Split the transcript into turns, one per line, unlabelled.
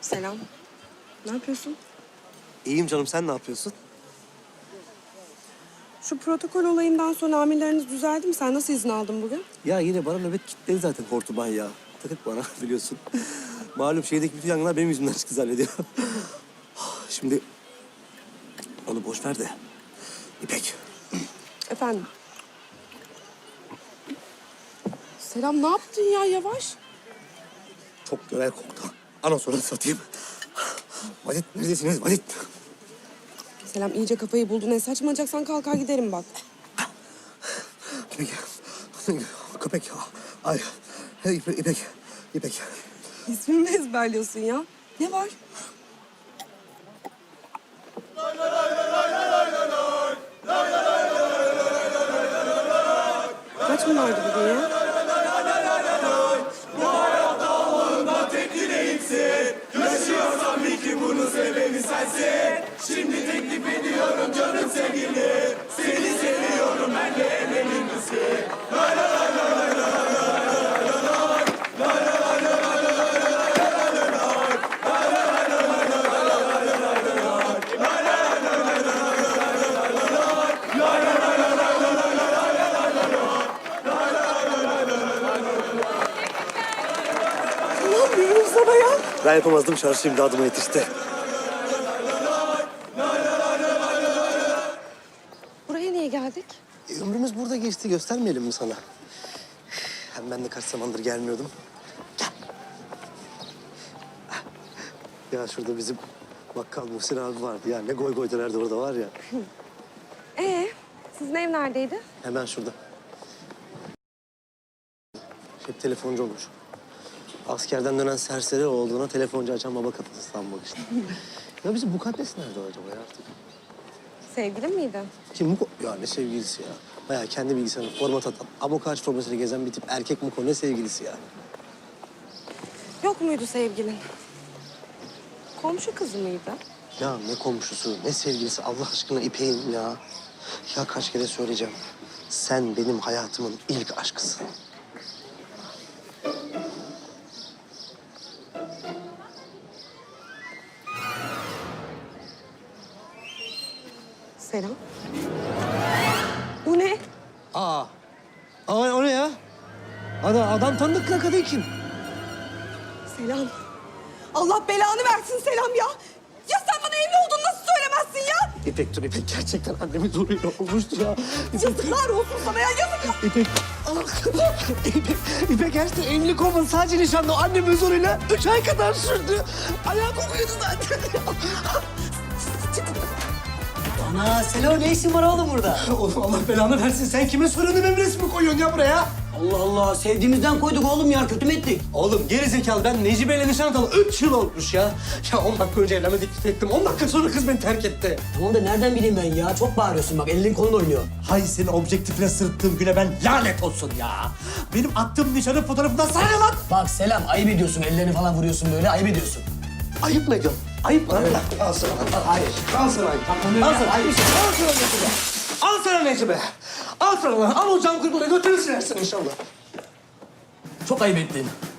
Selam. Ne yapıyorsun?
İyiyim canım, sen ne yapıyorsun?
Şu protokol olayından sonra amirleriniz düzeldi mi? Sen nasıl izin aldın bugün?
Ya yine bana nöbet kilitledi zaten hortuman ya. Takık bana biliyorsun. Malum şehirdeki bütün yangınlar benim yüzümden çıktı zannediyor. Şimdi onu boş ver de. İpek.
Efendim? Selam ne yaptın ya yavaş?
Çok görev koktu. Anonsunu satayım. Valit neredesiniz Valit?
Selam iyice kafayı buldun. Ne saçmalayacaksan kalkar giderim bak.
İpek. Köpek. Ay. İpek. İpek.
İsmimi mi ezberliyorsun ya? Ne var? Kaç mı vardı bugün ya?
Yaşıyorsam bil ki bunun sebebi sensin. Şimdi teklif ediyorum canım sevgili. Seni seviyorum benle emin misin?
İnanmıyorum sana ya.
Ben yapamazdım, çarşı imdadıma yetişti.
Buraya niye geldik?
Ömrümüz burada geçti, göstermeyelim mi sana? Hem ben de kaç zamandır gelmiyordum. Gel. Ya şurada bizim bakkal Muhsin abi vardı ya. Ne goy goy dönerdi orada var ya.
Sizin ev neredeydi?
Hemen şurada. Hep telefoncu olmuş. Askerden dönen serseri olduğuna telefoncu açan baba katısı sanmak işte. Ya bizim mukaddes nerede acaba ya artık?
Sevgilin miydi?
Kim Muko? Ya ne sevgilisi ya. Bayağı kendi bilgisayarını format atan, abokaç formasıyla gezen bir tip erkek Muko. Ne sevgilisi ya?
Yok muydu sevgilin? Komşu kızı mıydı?
Ya ne komşusu, ne sevgilisi Allah aşkına İpek'im ya. Ya kaç kere söyleyeceğim. Sen benim hayatımın ilk aşkısın.
Selam. Bu ne?
Aa o ne ya? Adam tanıdık lan, kadın kim?
Selam. Allah belanı versin Selam ya. Ya sen bana evli olduğunu nasıl söylemezsin ya?
İpek dur İpek, gerçekten annemin zoruyla olmuştu ya.
Yazıklar olsun sana ya yazıklar.
İpek. İpek gerçekten evlilik olmadı. Sadece nişanlı annemin zoruyla 3 ay kadar sürdü. Ayağı kokuyordu zaten.
Ana Selo ne işin var oğlum burada?
Oğlum Allah belanı versin. Sen kime sorunun resmi koyuyorsun ya buraya?
Allah Allah sevdiğimizden koyduk oğlum ya kötü mü ettik?
Oğlum gerizekalı, ben Necibe'yle nişan atalı 3 yıl olmuş ya. Ya 10 dakika önce evlenme teklif ettim. 10 dakika sonra kız beni terk etti.
Tamam da nereden bileyim ben ya? Çok bağırıyorsun bak elin kolun oynuyor.
Hay senin objektifine sırttığım güne ben lanet olsun ya. Benim attığım nişanın fotoğrafından sana ne lan?
Bak Selam ayıp ediyorsun ellerini falan vuruyorsun böyle ayıp ediyorsun.
Ayıp mı ediyorum? Ayıp mı? Al sana.
Hayır.
Al sana.
Al sana.
Al sana Necibe. Al sana Necibe. Al sana lan. Al o can kurbanı götürürsün inşallah.
Çok ayıp ettin.